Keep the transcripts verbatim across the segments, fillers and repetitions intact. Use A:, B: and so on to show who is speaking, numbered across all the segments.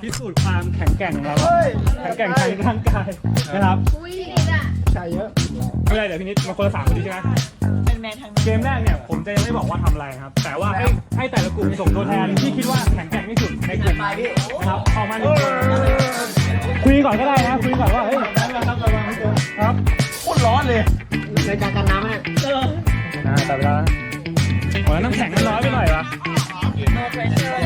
A: พิสูจน์ความแข็งแกร่งของเราแข็งแกร่งทางร่างกายนะครับ
B: ใช่เยอะ
A: ไม่เป็นไรเดี๋ยวพี่นิดมาคนละสามคนดีใช่ไหม
C: เป็นแมนทาง
A: เกมแรกเนี่ยผมจะยังไม่บอกว่าทำอะไรครับแต่ว่าให้ให้แต่ละกลุ่มส่งตัวแทนที่คิดว่าแข็งแกร่งที่สุดในกลุ่มนะครับออกมาหนึ่งคนคุยก่อนก็ได้นะคุยก่อนว่าเฮ้ยครับ
B: โคตรร้อนเลยในการกันน้ำเนี่ย
C: เออ
A: อ่าแต่เวลาโอ้ยน้ำแข็งมันน้อยไปหน่อยวะ
C: no pressure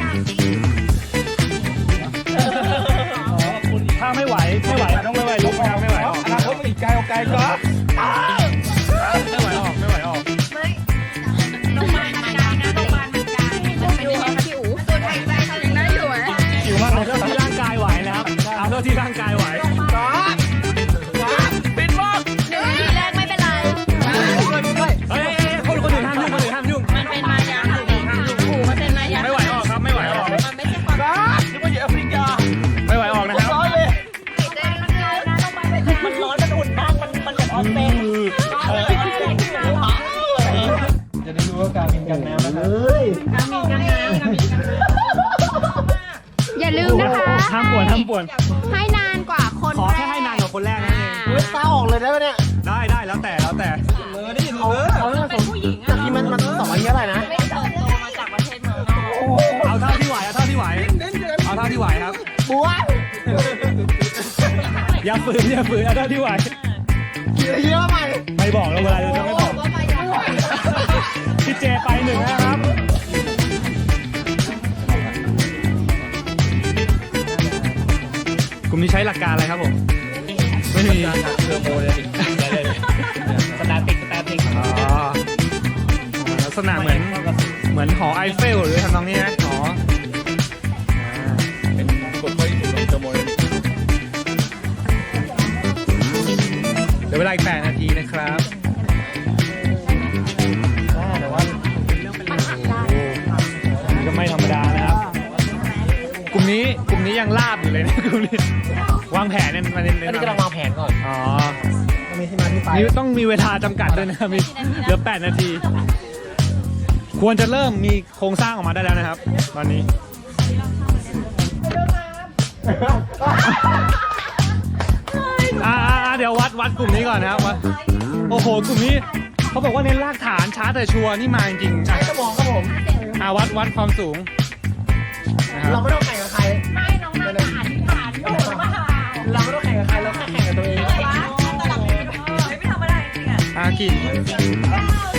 A: ถ้าไม่ไหวไม่ไหวต้องไม่ไหวลุกไม่เอาไม่ไหวออก
B: อนาคตมันอีกไกลไกลก็
A: ไม่ไหวออกไม่ไหวออก
C: ไม่โรงพยาบาลมันกลางนะโรงพยาบาลมันกลางมันเป็นยังไงคะพี่อู๋ตัวไทยใจเขายังได้อยู่ไหม
A: หิวมากเอาเท่าที่ร่างกายไหวนะครับเอาเท่าที่ร่างกายไหว
B: เป็นมาก
C: หนึ่งทีแรกไม่เป็นไร
A: เฮ้ยคนคนอื่นห้ามยุ่งคนอื่นห้ามยุ่ง
C: มันเป็นมายาอู๋มันเป็นมายา
A: ไม่ไหวออกครับไม่ไหวออก
C: มันไม่ใช่ความ
B: นึกว่าอยู่แอฟริกา
A: ไม่ไหวออกนะครับ
B: ร้อนเลย
C: มันร้อนมันอุ่นมากมันมันเหมือนออนเซ็น
B: จะได้รู้ว่าการมินกันน้ำนะครับเฮ้ย
C: การมินกันน้ำการมินกันน้ำ
D: อย่าลืมนะคะ
A: ห้ามป่วนห้ามป่วน
D: ให้นานกว่าคน
A: ขอแค่ให้นานกว่าคนแรกนั่นเอง
B: เฮ้ยตาออกเลยได้ไหมเนี่ย
A: ได้ได้แล้วแต่แล้วแต่
B: เออนี่เขาเขาเป็นผู้หญิงอ่ะที่มันมันสองอายุเท่าไหร่นะ
C: ไม่เติบโตมาจากประเทศเมืองนอก
A: เอาเท่าที่ไหวเอาเท่าที่ไหวเอาเท่าที่ไหวครับ
B: บัว
A: อย่าฝืนอย่าฝืนเอาเท่าที่ไหว
B: เยอะไป
A: ไม่บอกแล้วเวลาจะไม่บอกพี่เจไปหนึ่งนะครับกลุ่มนี้ใช้หลักการอะไรครับผมไม่มีเทอร์โมเลยสแตติกสแตติกอ๋อลักษณะเหมือนเหมือนหอไอเฟลหรือทำนองนี้นะหอเป็นกฎข้อที่ถูกลงเทอร์โมเลยเดี๋ยวเวลาอีกแปดนาทีนะครับแต่ว่าก็ไม่ธรรมดานะครับกลุ่มนี้กลุ่มนี้ยังลาบอยู่เลยนะกลุ่มนี้วางแผนเนี่ยมาเน้นๆ
B: อันนี้กำลังวางแผนก่อน
A: อ๋อ
B: มีที่มาที่ไป
A: นี่ต้องมีเวลาจำกัดด้วยนะมีเหลือแปดนาทีควรจะเริ่มมีโครงสร้างออกมาได้แล้วนะครับตอนนี้อ่าเดี๋ยววัดวัดกลุ่มนี้ก่อนนะครับวัดโอ้โหกลุ่มนี้เขาบอกว่าเน้นรากฐานช้าแต่ชัวร์นี่มาจริงๆ
B: ใช้สมองครับผม
A: อ่าวัดวัดความสูง
B: เราไม่ต้องแข่งกับใคร
C: ไม่น้องน่าจะอ่านที่ผ่านโดนมา
B: เราไม่ต้องแข่งกับใครเราแค่แข่งกับตัวเอง
C: ไม่ธรรมดาจริงอ่ะ
A: อากี่